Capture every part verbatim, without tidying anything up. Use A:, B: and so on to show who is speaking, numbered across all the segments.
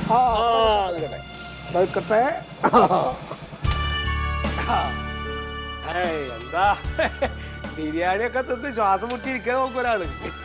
A: നിൽക്കട്ടെ. എന്താ ബിരിയാണി ഒക്കെ തിന്ന് ശ്വാസം മുട്ടിയിരിക്കാൻ നോക്കൊരാള്.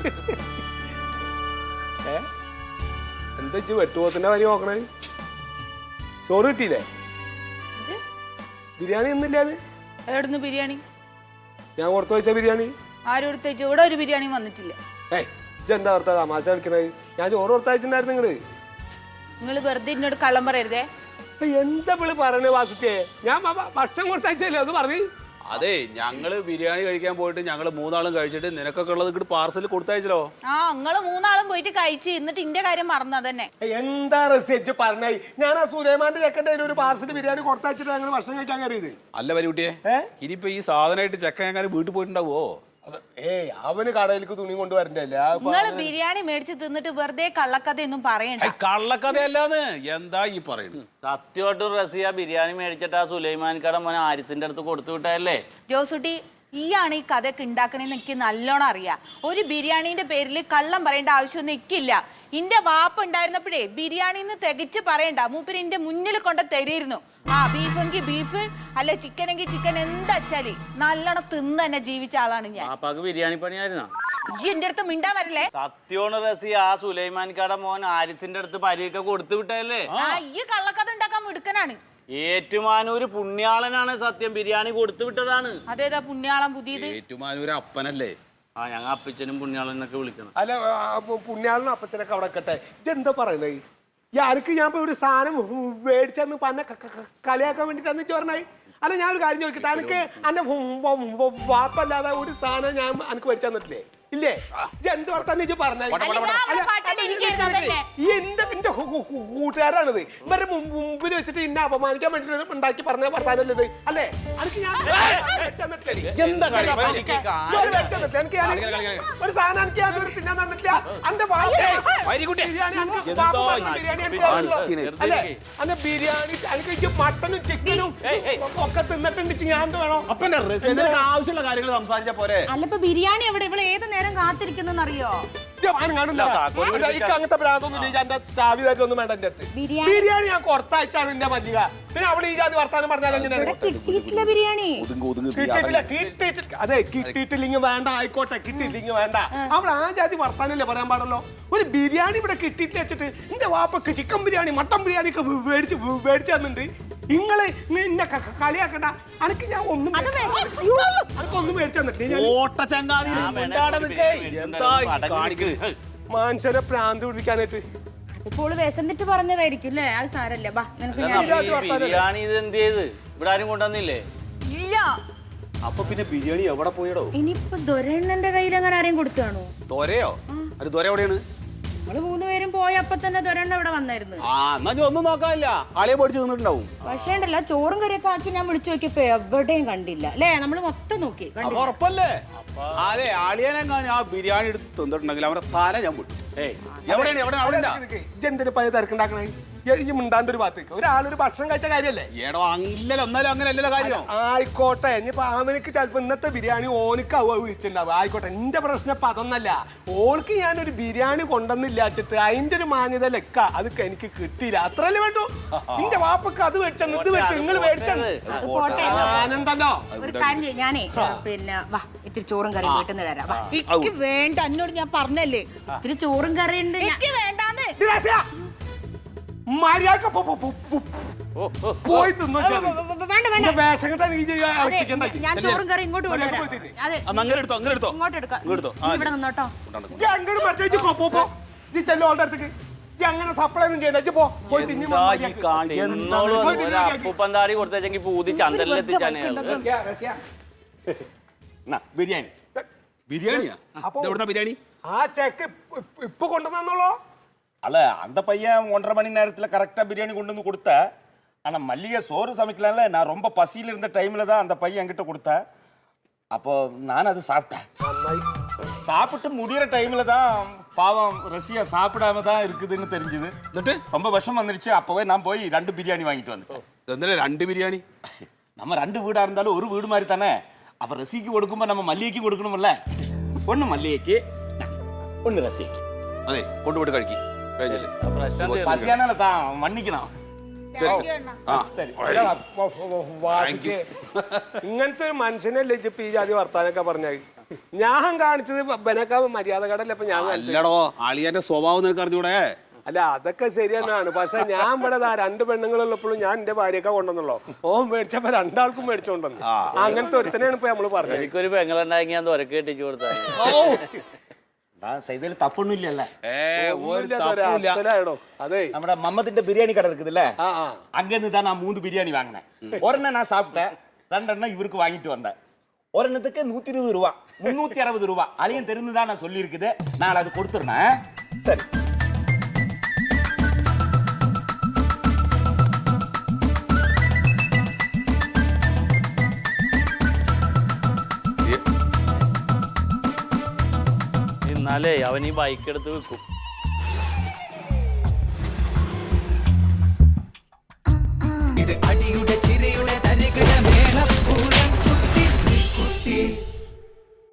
A: ഏ എന്താ വെച്ച് വെട്ടുപോത്തിന്റെ വരി നോക്കണേ? ചോറ് കിട്ടിയില്ലേ? ബിരിയാണി ഒന്നുമില്ലാതെ
B: എവിടുന്ന് ബിരിയാണി?
A: ഞാൻ പുറത്ത് വെച്ച ബിരിയാണി
B: ആരും എടുത്ത് വെച്ചു? ഇവിടെ ഒരു ബിരിയാണി വന്നിട്ടില്ല.
A: ഏയ് ഇതെന്താ ഓർത്താ തമാശ കളിക്കണത്? ഞാൻ ചോറ് കൊടുത്തയച്ചിട്ടുണ്ടായിരുന്നു. നിങ്ങള്
B: നിങ്ങൾ വെറുതെ എന്നോട് കള്ളം പറയരുതേ.
A: എന്താ വിളി പറയണേ വാസുട്ടിയെ? ഞാൻ ഭക്ഷണം കൊടുത്തയച്ചല്ലേ അത് പറഞ്ഞു.
C: അതെ, ഞങ്ങള് ബിരിയാണി കഴിക്കാൻ പോയിട്ട് ഞങ്ങള് മൂന്നാളും കഴിച്ചിട്ട് നിനക്കൊക്കെ ഉള്ളത് ഇങ്ങോട്ട് പാർസൽ കൊടുത്തയച്ചല്ലോ.
B: ആ നിങ്ങള് മൂന്നാളും പോയിട്ട് കഴിച്ച് എന്നിട്ട് ഇന്റെ കാര്യം മറന്നു. അതന്നെ
A: എന്താ റെസിച്ച് പറഞ്ഞേ? ഞാൻ ആ സുലൈമാന്റെ ചെക്കൻ്റെ ഒരു പാർസൽ ബിരിയാണി കൊടുത്തയച്ചിട്ട് ഞങ്ങൾ ഭക്ഷണം കഴിക്കാൻ കയറിയത്.
C: അല്ല പരികുട്ടിയെ, ഇനിയിപ്പോ ഈ സാധനമായിട്ട് ചെക്കൻ എങ്ങനെ വീട്ടിൽ പോയിട്ടുണ്ടാവോ?
A: ഏയ് അവന് കടയിലേക്ക് തുണി കൊണ്ടുവരണ്ടല്ലേ.
B: നിങ്ങള് ബിരിയാണി മേടിച്ച് തിന്നിട്ട് വെറുതെ കള്ളക്കഥയൊന്നും പറയണ്ട.
C: കള്ളക്കഥയല്ലാന്ന് എന്താ ഈ പറയുന്നത്?
D: സത്യമായിട്ടും റസിയ ബിരിയാണി മേടിച്ചിട്ട് ആ സുലൈമാൻ കട മോനെ ആരിസിന്റെ അടുത്ത് കൊടുത്തു വിട്ടല്ലേ?
B: ജോസുട്ടി, ഈയാണ് ഈ കഥയൊക്കെ ഉണ്ടാക്കണേന്ന് എനിക്ക് നല്ലോണം അറിയാം. ഒരു ബിരിയാണീന്റെ പേരിൽ കള്ളം പറയേണ്ട ആവശ്യമൊന്നും എനിക്കില്ല. ഇന്റെ വാപ്പ ഉണ്ടായിരുന്നപ്പോഴേ ബിരിയാണിന്ന് തികച്ച് പറയണ്ട, മൂപ്പര് ഇന്റെ മുന്നിൽ കൊണ്ട് തരുന്നു. ആ ബീഫ് എങ്കിൽ ബീഫ്, അല്ല ചിക്കൻ എങ്കിൽ ചിക്കൻ, എന്താ വെച്ചാല് നല്ലോണം തിന്ന് തന്നെ ജീവിച്ച ആളാണ് ഞാൻ.
D: പാപ്പാക്ക് ബിരിയാണി പണിയായിരുന്നോ?
B: ഈ എന്റെ അടുത്ത് മിണ്ടാ വരല്ലേ?
D: സത്യമാണ് റസിയ, ആ സുലൈമാൻ കട മോൻ ആരിസിന്റെ അടുത്ത് പരിയൊക്കെ കൊടുത്തു വിട്ടല്ലേ?
B: ആ ഈ കള്ളക്കഥ ഉണ്ടാക്കാൻ മിടുക്കനാണ്.
D: ഏറ്റുമാനൂര് പുണ്യാളനാണ് സത്യം, ബിരിയാണി കൊടുത്തു വിട്ടതാണ്.
B: അതേതാ പുണ്യാളം പുതിയത്?
C: ഏറ്റുമാനൂര് അപ്പനല്ലേ?
D: ആ ഞങ്ങൾ അപ്പച്ചനും പുണ്യാളനൊക്കെ വിളിക്കണം.
A: അല്ല പുണ്യാളനും അപ്പച്ചനൊക്കെ അവിടെ കട്ടെ. ഇതെന്താ പറയണേ? ഈ ആർക്ക് ഞാൻ ഇപ്പൊ ഒരു സാധനം മേടിച്ചെന്ന് പന്നെ കളിയാക്കാൻ വേണ്ടിട്ടാന്ന് പറഞ്ഞേ? അല്ല ഞാൻ ഒരു കാര്യം ചോദിക്കട്ടെ, എനിക്ക് എന്റെ വാപ്പല്ലാതെ ഒരു സാധനം ഞാൻ എനിക്ക് മേടിച്ചു തന്നിട്ടില്ലേ? ഇല്ലേ? എന്ത് വർത്താനം പറഞ്ഞേ? എന്താ എന്റെ കൂട്ടുകാരാണിത്. ഇവരുടെ മുമ്പിൽ വെച്ചിട്ട് ഇന്നെ അപമാനിക്കാൻ വേണ്ടിട്ട് ഉണ്ടാക്കി പറഞ്ഞ വർത്താനല്ലേ ഇത്? അല്ലേ? എനിക്ക് ഞാൻ ഒരു സാധനം എനിക്ക് ഞാനൊരു തിന്നാൻ തന്നിട്ടില്ല. എന്റെ അല്ലേ എന്റെ ബിരിയാണി എനിക്ക് മട്ടനും ചിക്കനും ഒക്കെ തിന്നിട്ടുണ്ട്. ഞാൻ എന്ത് വേണോ?
C: അപ്പന്റെ ആവശ്യമുള്ള കാര്യങ്ങൾ സംസാരിച്ച പോരെ?
B: അല്ലപ്പോ ബിരിയാണി എവിടെ? ഇവിടെ ഏത് നേരം കാത്തിരിക്കുന്നെന്നറിയോ?
A: അങ്ങനത്തെ ഭ്രാന്തൊന്നും എന്റെ ചാവി തരൊന്നും വേണ്ട. എന്റെ അടുത്ത് ബിരിയാണി ഞാൻ കൊടുത്തയച്ചാണ് എന്റെ മല്ലിക. പിന്നെ അവിടെ ഈ ജാതി വർത്താനം പറഞ്ഞാൽ
B: കിട്ടിയിട്ടില്ല ബിരിയാണി.
A: കിട്ടിയിട്ടില്ല കിട്ടിയിട്ടില്ല അതെ കിട്ടിയിട്ടില്ലെങ്കിൽ വേണ്ട, ആയിക്കോട്ടെ കിട്ടിയില്ലെങ്കിൽ വേണ്ട. അവിടെ ആ ജാതി വർത്താനല്ലേ പറയാൻ പാടല്ലോ. ഒരു ബിരിയാണി ഇവിടെ കിട്ടിയിട്ട് വെച്ചിട്ട് എന്റെ വാപ്പക്ക് ചിക്കൻ ബിരിയാണി മട്ടൻ ബിരിയാണി ഒക്കെ മേടിച്ച് മേടിച്ചു തന്നിട്ടുണ്ട്. നിങ്ങള് എന്നെ കളിയാക്കണ്ട. അനക്ക് ഞാൻ ഒന്നും അനക്കൊന്നും മേടിച്ചു തന്നിട്ടില്ല. മനുഷ്യരെ പ്രാന്ത് പിടിക്കാനായിട്ട്
B: ഇപ്പോൾ വിശന്നിട്ട് പറഞ്ഞതായിരിക്കും അല്ലേ? അത് സാരല്ല.
D: ബിരിയാണി ഇത് എന്ത് ചെയ്ത് ഇവിടെ ആരും കൊണ്ടുവന്നില്ലേ?
B: ഇല്ല.
C: അപ്പൊ പിന്നെ ബിരിയാണി എവിടെ പോയിടോ?
B: ഇനിയിപ്പോ ദൊരണ്ണന്റെ കയ്യിൽ അങ്ങനെ ആരെയും കൊടുത്താണോ?
C: ദൊരയോ? അത് ദൊര എവിടെയാണ്?
B: നമ്മള് മൂന്നുപേരും പോയപ്പോ തന്നെ ദൊരണ്ണ ഇവിടെ വന്നായിരുന്നു.
C: ആ എന്നാ ഒന്നും നോക്കാനില്ല, ആളെ പൊടിച്ച് നിന്നിട്ടുണ്ടാവും.
B: പക്ഷേ ഉണ്ടല്ല, ചോറും കറിയൊക്കെ ആക്കി ഞാൻ വിളിച്ചു നോക്കിയപ്പോ എവിടെയും കണ്ടില്ല അല്ലേ? നമ്മള് മൊത്തം നോക്കി.
C: ഉറപ്പല്ലേ? അതെ, ആളിയാനെങ്ങാനും ആ ബിരിയാണി എടുത്ത് തിന്നിട്ടുണ്ടെങ്കിൽ അവരുടെ തല ഞാൻ വിട്ടു. എവിടെയാണ് എവിടെ അവിടെ
A: ഇതെന്തിനു പയ തിരക്കുണ്ടാക്കണേ? ഈ മിണ്ടാണ്ട് ഒരു ഭാഗത്തേക്ക് ഒരാളൊരു ഭക്ഷണം കഴിച്ച കാര്യല്ലേ?
C: ഏടോ അങ്ങില്ലല്ലോ, ഒന്നാലും അങ്ങനെ അല്ലല്ലോ കാര്യം.
A: ആയിക്കോട്ടെ, ഇനിയിപ്പോ അവനക്ക് ചിലപ്പോ ഇന്നത്തെ ബിരിയാണി ഓനക്ക് വിളിച്ചിട്ടുണ്ടാവും. ആയിക്കോട്ടെ, എന്റെ പ്രശ്നം ഇപ്പൊ അതൊന്നല്ല. ഓൾക്ക് ഞാനൊരു ബിരിയാണി കൊണ്ടുവന്നില്ല വെച്ചിട്ട് അതിന്റെ ഒരു മാന്യത ലെക്ക അതൊക്കെ എനിക്ക് കിട്ടിയില്ല. അത്രല്ലേ വേണ്ടു. എന്റെ വാപ്പക്ക് അത് മേടിച്ചെന്ന് ഇത് മേടിച്ചു നിങ്ങൾ മേടിച്ചെന്ന് ഞാനുണ്ടല്ലോ.
B: ഒരു കാര്യം ചെയ്യും, ഞാനേ പിന്നെ വാ ഇത്തിരി ചോറും കറിയും വീട്ടിൽ നിന്ന് തരാം. എനിക്ക് വേണ്ട, എന്നോട് ഞാൻ പറഞ്ഞല്ലേ ഇത്തിരി ചോറും കറിയും ഉണ്ട്. എനിക്ക് വേണ്ടാന്ന്
A: മര്യാദ പോയി തിന്നു.
B: ഞാൻ ചോറും കറി ഇങ്ങോട്ട് കൊണ്ടുവരാം. അതെ
C: അങ്ങനെ എടുത്തോ, അങ്ങനെ എടുത്തോ,
B: ഇങ്ങോട്ട് എടുക്കാം. ഇവിടെ നിന്നോട്ടോ.
A: അങ്ങനെ സപ്ലൈ ഒന്നും ചെയ്യണ്ട.
D: അപ്പൂപ്പന്താടി കൊടുത്തെങ്കിൽ പൂതി ചന്തലെത്തിച്ചാണ്
C: ബിരിയാണി. ബിരിയാണിയാ? എവിടുന്ന ബിരിയാണി?
A: ആ ചെക്ക് ഇപ്പൊ കൊണ്ടുവന്നോളൂ.
E: அல்ல அந்த பையன் ஒன்றரை மணி நேரத்தில் கரெக்டாக பிரியாணி கொண்டு வந்து கொடுத்த. ஆனால் மல்லிகை சோறு சமைக்கலாம்ல, நான் ரொம்ப பசியில் இருந்த டைமில் தான் அந்த பையன் என்கிட்ட கொடுத்தேன். அப்போ நான் அது சாப்பிட்டேன். சாப்பிட்டு முடிகிற டைமில் தான் பாவம் ரசியா சாப்பிடாம தான் இருக்குதுன்னு தெரிஞ்சுது. ரொம்ப விஷம் வந்துருச்சு. அப்போவே நான் போய் ரெண்டு பிரியாணி வாங்கிட்டு வந்துட்டேன்.
C: ரெண்டு பிரியாணி?
E: நம்ம ரெண்டு வீடாக இருந்தாலும் ஒரு வீடு மாதிரி தானே. அப்போ ரசிக்கு கொடுக்கும்போது நம்ம மல்லிகைக்கு கொடுக்கணும்ல. ஒன்று மல்லிகைக்கு, ஒன்று ரசிக்கு.
C: അതെ കൊണ്ടുപോയിട്ട് കഴിക്കും. പേജില്
D: ആ പ്രശ്നം തീർന്നു.
E: பசியானால தான் மன்னிக்கணும்
C: ആ
E: சரி
A: അല്ല, വ- വ- വാസിക്ക് ഇങ്ങനത്തെ ഒരു മനുഷ്യനല്ലേ ഇജ്ജ് ഇപ്പൊ ഈ ജാതി വർത്താനൊക്കെ പറഞ്ഞാൽ ഞാൻ കാണിച്ചത് ബനക്ക മര്യാദകടല്ല ഇപ്പൊ ഞാൻ കാണിച്ചത്.
C: അല്ലടോ അളിയന്റെ സ്വഭാവം നിനക്ക് അറിഞ്ഞൂടെ?
A: അല്ല അതൊക്കെ ശരിയെന്നാണ്, പക്ഷെ ഞാൻ ഇവിടെ ദാ രണ്ട് പെണ്ണുങ്ങളുള്ളപ്പോഴും ഞാൻ എന്റെ ഭാര്യയൊക്കെ കൊണ്ടുവന്നുള്ളൂ. ഓ മേടിച്ചപ്പോ രണ്ടാൾക്കും മേടിച്ചോണ്ടെന്ന് അങ്ങനത്തെ ഒരുത്തനെയാണ് ഇപ്പൊ നമ്മള് പറഞ്ഞത്.
D: എനിക്കൊരു പെങ്ങളുണ്ടാക്കി ഞാൻ തുരക്ക് കെട്ടിച്ചു കൊടുത്താൽ
E: நான் செய்ததில் തപ്പൊന്നും ഇല്ലല്ല
C: ഏ ഒരു
A: ഒന്നുമില്ലാത്ത ഒരു
C: തപ്പുമില്ല.
A: അസലായിടോ. അതെ
E: നമ്മുടെ മമ്മത്തിന്റെ ബിരിയാണി கடை இருக்குதுல்ல
A: ആ ആ
E: அங்கிருந்து தான் நான் மூணு பிரியாணி வாங்கினேன். ஒரெண்ணம் நான் சாப்பிட்டேன், ரெண்டெண்ணம் இவருக்கு வாங்கிட்டு வந்தேன். ஒரெண்ணத்துக்கு நூத்தி இருபது ரூபா முன்னூத்தி அறுபது ரூபா அதையும் தெரிஞ்சுதான் நான் சொல்லி இருக்குது. நான் அது கொடுத்துருந்தேன். சரி
D: എന്നാലേ അവൻ ഈ ബൈക്ക് എടുത്ത് വെക്കും.
F: ഇത് അടിയുടെ